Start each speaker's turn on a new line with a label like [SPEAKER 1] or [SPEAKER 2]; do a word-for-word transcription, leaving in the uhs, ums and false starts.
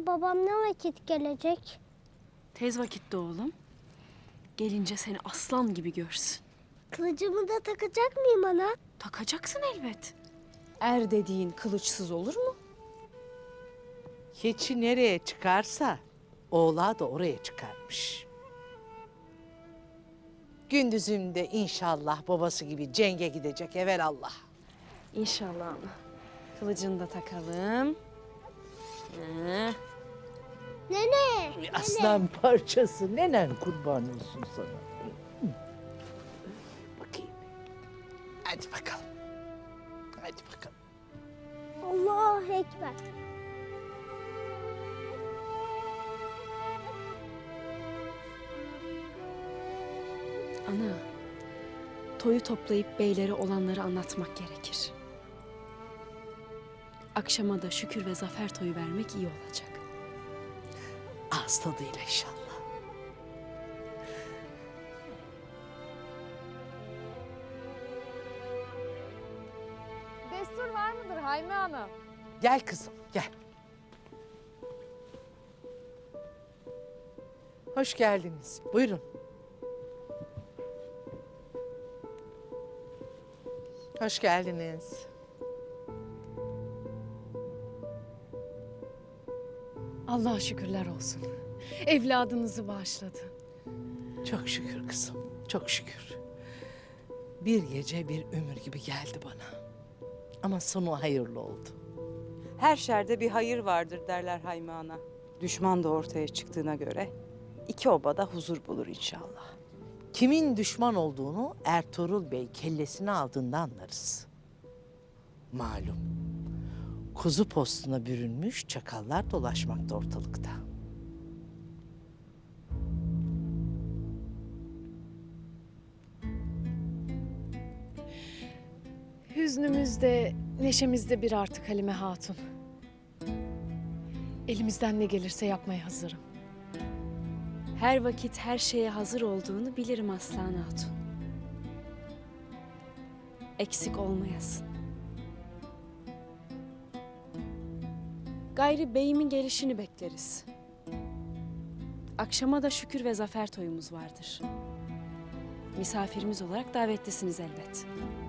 [SPEAKER 1] Anne babam ne vakit gelecek?
[SPEAKER 2] Tez vakitte oğlum. Gelince seni aslan gibi görsün.
[SPEAKER 1] Kılıcımı da takacak mıyım ana?
[SPEAKER 2] Takacaksın elbet. Er dediğin kılıçsız olur mu?
[SPEAKER 3] Keçi nereye çıkarsa oğlağı da oraya çıkarmış. Gündüz'ün de inşallah babası gibi cenge gidecek evelallah.
[SPEAKER 2] İnşallah ana. Kılıcını da takalım. Heh.
[SPEAKER 1] Nene!
[SPEAKER 3] Aslan parçası nenen kurban olsun sana. Bakayım. Hadi bakalım. Hadi bakalım.
[SPEAKER 1] Allahu Ekber.
[SPEAKER 2] Ana, toyu toplayıp beylere olanları anlatmak gerekir. Akşama da şükür ve zafer toyu vermek iyi olacak.
[SPEAKER 3] Ağız tadıyla inşallah.
[SPEAKER 4] Destur var mıdır Hayme Ana?
[SPEAKER 3] Gel kızım gel. Hoş geldiniz. Buyurun. Hoş geldiniz.
[SPEAKER 5] Allah'a şükürler olsun. Evladınızı bağışladı.
[SPEAKER 3] Çok şükür kızım, çok şükür. Bir gece bir ömür gibi geldi bana. Ama sonu hayırlı oldu.
[SPEAKER 6] Her şerde bir hayır vardır derler Hayme Ana. Düşman da ortaya çıktığına göre iki obada huzur bulur inşallah.
[SPEAKER 3] Kimin düşman olduğunu Ertuğrul Bey kellesini aldığında anlarız. Malum, kuzu postuna bürünmüş çakallar dolaşmakta ortalıkta.
[SPEAKER 5] Hüznümüzde, neşemizde bir artık Halime Hatun. Elimizden ne gelirse yapmaya hazırım.
[SPEAKER 2] Her vakit her şeye hazır olduğunu bilirim Aslan Hatun. Eksik olmayasın. Gayri beyimin gelişini bekleriz. Akşama da şükür ve zafer toyumuz vardır. Misafirimiz olarak davetlisiniz elbet.